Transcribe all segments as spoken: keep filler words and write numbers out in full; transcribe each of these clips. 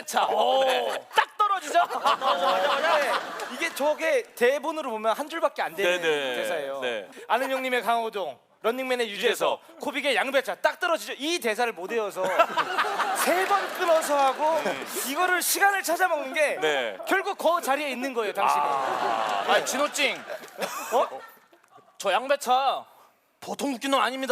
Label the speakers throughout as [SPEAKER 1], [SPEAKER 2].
[SPEAKER 1] 양배차.
[SPEAKER 2] 네.
[SPEAKER 1] 딱 떨어지죠?
[SPEAKER 3] 네, 이게 저게 대본으로 보면 한 줄밖에 안 되는
[SPEAKER 2] 네네.
[SPEAKER 3] 대사예요.
[SPEAKER 2] 네.
[SPEAKER 3] 아는 형님의 강호동, 런닝맨의 유재석, 코빅의 양배차 딱 떨어지죠. 이 대사를 못 외워서 세 번 끊어서 하고 이거를 시간을 찾아 먹는 게
[SPEAKER 2] 네.
[SPEAKER 3] 결국 그 자리에 있는 거예요, 당신은.
[SPEAKER 1] 아, 진호찡. 어? 저 양배차 보통 웃긴 놈 아닙니다.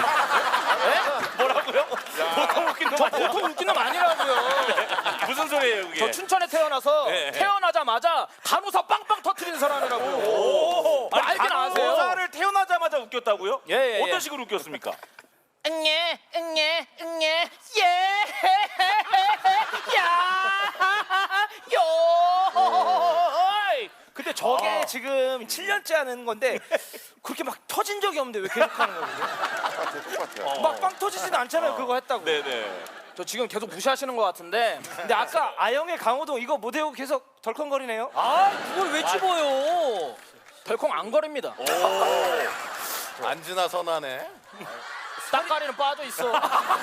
[SPEAKER 2] 뭐라고요? 보통 웃긴 놈
[SPEAKER 1] 저
[SPEAKER 2] 아니야?
[SPEAKER 1] 보통 웃긴 놈 아니라고요.
[SPEAKER 2] 무슨 소리예요 그게?
[SPEAKER 1] 저 춘천에 태어나서
[SPEAKER 2] 네.
[SPEAKER 1] 태어나자마자 간호사 빵빵 터트리는 사람이라고요. 뭐 알긴 아세요.
[SPEAKER 2] 간호사를 태어나자마자 웃겼다요?
[SPEAKER 1] 예, 예,
[SPEAKER 2] 어떤
[SPEAKER 1] 예.
[SPEAKER 2] 식으로 웃겼습니까?
[SPEAKER 1] 응예 응예 응예 예야요.
[SPEAKER 3] 근데 저게
[SPEAKER 2] 아.
[SPEAKER 3] 지금 칠 년째 하는 건데 그렇게 막 터진 적이 없는데 왜 계속 하는 거예요? 막 빵 터지진 않잖아요, 그거 했다고.
[SPEAKER 2] 네네.
[SPEAKER 1] 저 지금 계속 무시하시는 것 같은데.
[SPEAKER 3] 근데 아까 아영의 강호동 이거 못 외우고 계속 덜컹거리네요.
[SPEAKER 1] 아 그걸 왜 집어요? 덜컹 안 거립니다.
[SPEAKER 4] 안 지나 선하네.
[SPEAKER 1] 딱가리는 빠져 있어.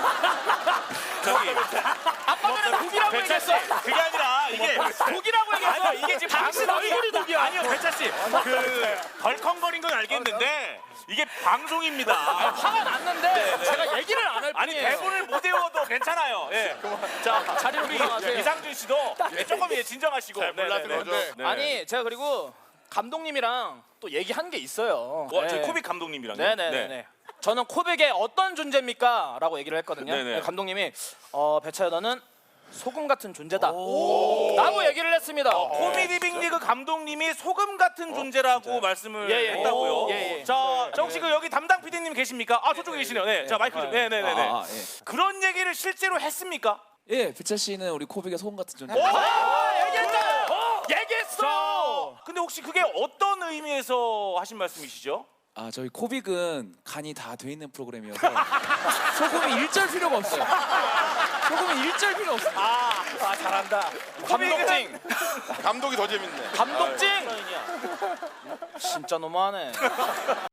[SPEAKER 2] 저기
[SPEAKER 1] 아까 전에 독이라고
[SPEAKER 2] 배차 씨,
[SPEAKER 1] 얘기했어.
[SPEAKER 2] 그게 아니라 이게
[SPEAKER 1] 독이라고 얘기했어.
[SPEAKER 2] 아니요 이게 지금
[SPEAKER 1] 당신
[SPEAKER 2] 방송이-
[SPEAKER 1] 얼굴이 독이야.
[SPEAKER 2] 아니요 배차 씨, 그 덜컹거린 건 알겠는데 이게 방송입니다.
[SPEAKER 1] 화가 났는데 제가 얘기를 안 할
[SPEAKER 2] 아니
[SPEAKER 1] 뿐이에요.
[SPEAKER 2] 대본을 못 외워도 괜찮아요. 예. 자
[SPEAKER 1] 자리로
[SPEAKER 2] 우리
[SPEAKER 1] 돌아가세요.
[SPEAKER 2] 이상준 씨도 예, 조금 예, 진정하시고.
[SPEAKER 4] 잘 몰라서
[SPEAKER 2] 네네네.
[SPEAKER 4] 그러죠.
[SPEAKER 2] 네.
[SPEAKER 1] 아니 제가 그리고 감독님이랑 또 얘기한 게 있어요.
[SPEAKER 2] 와, 저희
[SPEAKER 1] 네.
[SPEAKER 2] 코빅 감독님이랑요.
[SPEAKER 1] 네네네. 저는 코빅의 어떤 존재입니까? 라고 얘기를 했거든요.
[SPEAKER 2] 네네.
[SPEAKER 1] 네, 감독님이 어, 배차야 너는 소금 같은 존재다 라고 얘기를 했습니다.
[SPEAKER 2] 코미디 빅리그 감독님이 소금 같은 존재라고 말씀을
[SPEAKER 1] 예, 예.
[SPEAKER 2] 했다고요.
[SPEAKER 1] 오, 예, 예.
[SPEAKER 2] 자, 자 혹시 그 여기 담당 피디님 계십니까? 아 저쪽에 계시네요. 네, 자 마이크 좀. 네, 네, 네, 네.
[SPEAKER 5] 아, 예.
[SPEAKER 2] 그런 얘기를 실제로 했습니까?
[SPEAKER 5] 예, 배차 씨는 우리 코빅의 소금 같은 존재.
[SPEAKER 1] 아, 얘기했잖아요.
[SPEAKER 2] 어!
[SPEAKER 1] 얘기했어.
[SPEAKER 2] 자, 근데 혹시 그게 어떤 의미에서 하신 말씀이시죠?
[SPEAKER 5] 아, 저희 코빅은 간이 다 돼 있는 프로그램이어서 소금이 일절 필요가 없어요. 소금이 일절 필요 없어요.
[SPEAKER 2] 아, 아 잘한다.
[SPEAKER 1] 감독찡.
[SPEAKER 4] 감독이 더 재밌네.
[SPEAKER 1] 감독찡. 진짜 너무하네.